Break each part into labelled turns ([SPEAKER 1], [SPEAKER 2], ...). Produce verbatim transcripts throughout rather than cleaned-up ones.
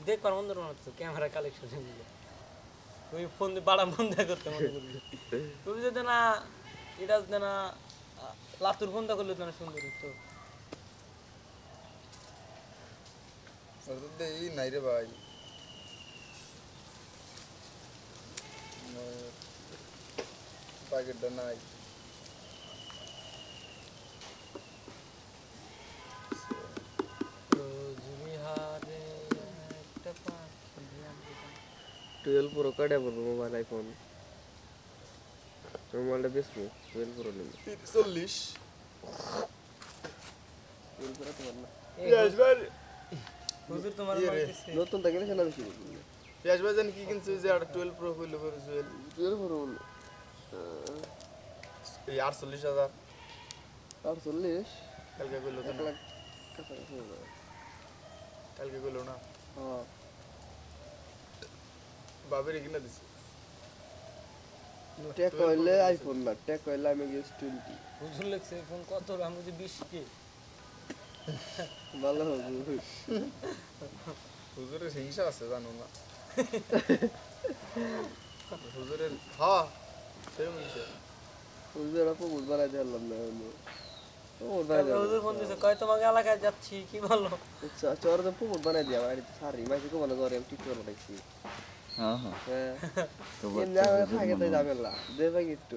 [SPEAKER 1] দেখবার মন্দ মনে হচ্ছে ক্যামেরা কালেকশন নিয়ে ওই ফোন দিয়ে বাড়া বন্ধ করতে মনে করলি তুমি যদি না এটা যদি না লাতুর বন্ধ করলে তো না সুন্দর হতো
[SPEAKER 2] এই নাই রে ভাই প্যাকেটটা নাই
[SPEAKER 3] টুয়েলভ প্রো কাটা পড়বো মোবাইল আইফোন মোবাইলটা বেচবো টুয়েলভ প্রো নেবো
[SPEAKER 2] চল্লিশ
[SPEAKER 3] টুয়েলভ প্রো তোমার না
[SPEAKER 1] হুজুর তোমার মারতেছে
[SPEAKER 3] নতুন থাকে না সেটা বেশি
[SPEAKER 2] পিয়াজ ভাই জানি কি কিনছে যে আর টুয়েলভ প্রো হইলো করে জুয়েল
[SPEAKER 3] টুয়েলভ প্রো
[SPEAKER 2] এই আটচল্লিশ হাজার
[SPEAKER 3] আটচল্লিশ
[SPEAKER 2] কালকে কইলো তো
[SPEAKER 3] এক
[SPEAKER 2] না
[SPEAKER 3] লাখ কাছাকাছি হয়ে যাবে
[SPEAKER 2] কালকে কইলো না
[SPEAKER 3] হ্যাঁ
[SPEAKER 2] বাবের কিনা দিছে
[SPEAKER 3] টেক কইলে আইফোন না টেক কইলে আমি গেস টোয়েন্টি
[SPEAKER 1] হুজুর লাগছে ফোন কত আমি যে বিশ কে
[SPEAKER 3] ভালো হবে
[SPEAKER 2] হুজুরের হিংসা আছে জানো না হুজুরের হ্যাঁ সেই হিংসা
[SPEAKER 3] হুজুর আপু বুঝ বানাই দিলাম না ও
[SPEAKER 1] তারপরে হুজুর ফোন দিছে কয় তোমাকে এলাকায় যাচ্ছি কি বলো
[SPEAKER 3] আচ্ছা চোর তো পুকুর বানাই দিয়া বাড়িতে সারি মাঝে কো মনে করে আমি ঠিক করে রাখছি
[SPEAKER 4] হ্যাঁ হ্যাঁ
[SPEAKER 3] হ্যাঁ
[SPEAKER 4] তো
[SPEAKER 3] এম না থাকে তাই যাবে না দে ভাই একটু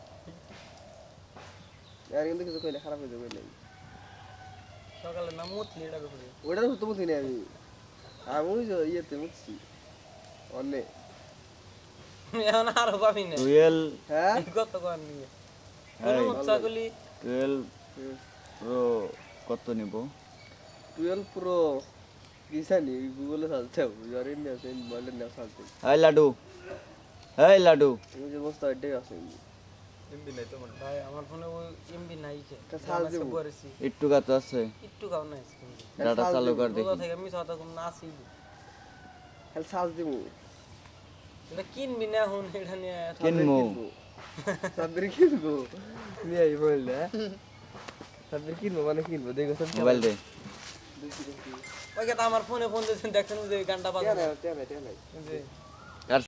[SPEAKER 3] আর কিন্তু কিছু কইলে খারাপ হয়ে যাবে না
[SPEAKER 1] সকালে না মুতলি এটার উপরে
[SPEAKER 3] ওটার তো বুঝি না আমি আমি ওই যে ইয়েতে মুছছি অনেক
[SPEAKER 1] এখন আরো পাবি না
[SPEAKER 4] টুয়েলভ
[SPEAKER 3] হ্যাঁ
[SPEAKER 1] কত কর নিয়ে
[SPEAKER 4] এই
[SPEAKER 1] মুচ্ছাগুলি
[SPEAKER 4] টুয়েলভ প্রো কত নিব
[SPEAKER 3] টুয়েলভ প্রো কি জানি গুগলে সার্চ দাও জরিন না সেন বলে না সার্চ দাও
[SPEAKER 4] এই লাডু এই লাডু
[SPEAKER 3] আমি যে বস্তা এটাই আছে
[SPEAKER 2] এমবি নাই তো মানে
[SPEAKER 1] ভাই আমার ফোনে ওই এমবি নাই কে
[SPEAKER 3] তা সার্চ দেব
[SPEAKER 1] করেছি
[SPEAKER 4] একটু কত আছে
[SPEAKER 1] একটু কাও নাই
[SPEAKER 4] ডাটা চালু কর
[SPEAKER 1] কোথা
[SPEAKER 4] দেখি
[SPEAKER 1] থেকে আমি সাথে কোন না আসি
[SPEAKER 3] খালি সার্চ দেব
[SPEAKER 1] এটা কিনবি না এখন এটা নিয়ে
[SPEAKER 4] কিনমু
[SPEAKER 3] সাবরি কিনবো নিয়ে আই বললে সাবরি কিনবো মানে কিনবো দেখো সব
[SPEAKER 4] মোবাইল দে
[SPEAKER 1] ওই কথা আমার ফোনে ফোন দিয়েছেন দেখছেন যে গানটা বাজে
[SPEAKER 3] টেনে টেনে টেনে
[SPEAKER 1] যে